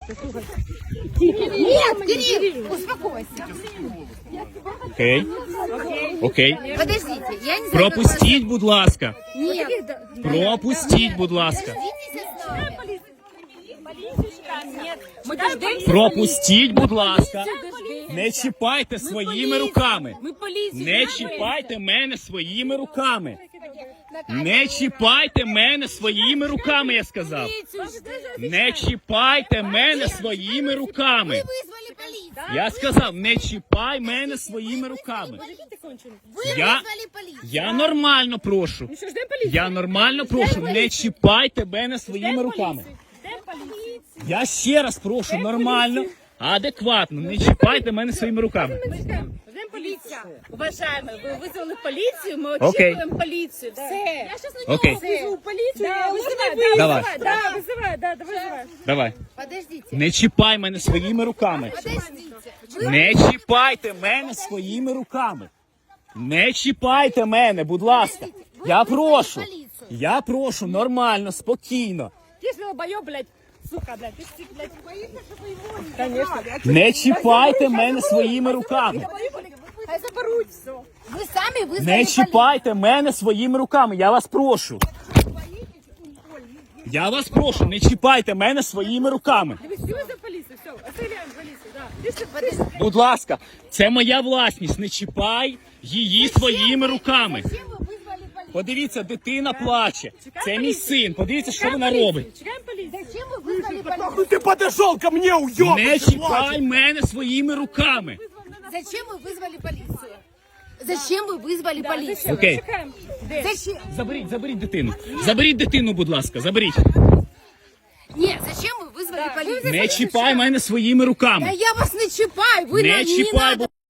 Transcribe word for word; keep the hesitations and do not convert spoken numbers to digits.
Нет, Кирилл, успокойся. Окей. Окей. Подождите, я не знаю, Пропустіть, будь ласка. Нет. Пропустіть, будь ласка. Мы дождемся. Пропустіть, будь ласка. Дождемся. Не чіпайте своїми руками. Мы полицию. Не чіпайте мене своїми руками. Не чіпайте мене своїми руками, я сказав. Не чіпайте мене своїми руками. Вызвали полицию. Я сказав, не чіпай мене своїми руками. Вы Я, вызвали полицию. я нормально прошу. Що, ждем полицию? Я нормально прошу, не чіпайте мене своїми руками. Ждем полицию. Я ще раз прошу, нормально, адекватно, не чіпайте мене своїми руками. Ждем полицию. Уважаемые, вы вызвали полицию, мы Окей. очікуємо полицию. Все. Я сейчас на Окей, вызову полицию. Да, вызывай, Давай. да, вызывай, да, вызывай, да, давай, вызывай. давай. Подождите, Не чіпай мене своїми руками. подождите. Вы Не чіпайте мене своїми руками. Не чіпайте мене, будь ласка. Я прошу. Я прошу, нормально, спокійно. Ты ж долбоёб, блядь, сука, блядь, ты ж, блядь, боишься, чтобы его не... Конечно. Не чіпайте мене своїми руками. Хай заберуть все. Вы сами вызвали Не полицию. чіпайте мене своїми руками, я вас прошу. Я вас прошу, не чіпайте мене своїми руками. Ты все за полицию, все, оставляем полицию, да. Ты ж, ты ж, Будь ласка, це моя власність, не чіпай її своїми руками. Зачем вы вызвали полицию? Подивіться, дитина плаче. Це мій син, подивіться, що вона робить. чекаем полицию. Зачем вы вызвали полицию? Ну ты подошел ко мне, уёбок! Не чіпай мене своїми руками. Зачем вы вызвали полицию? Зачем вы вызвали полицию? Окей, Чекаем. Зачем? заберіть, заберіть дитину. Заберіть дитину, будь ласка, заберіть. Нет, зачем вы вызвали полицию? Не чіпай мене своїми Да руками. я вас не чіпаю, вы Не на- чіпай, надо.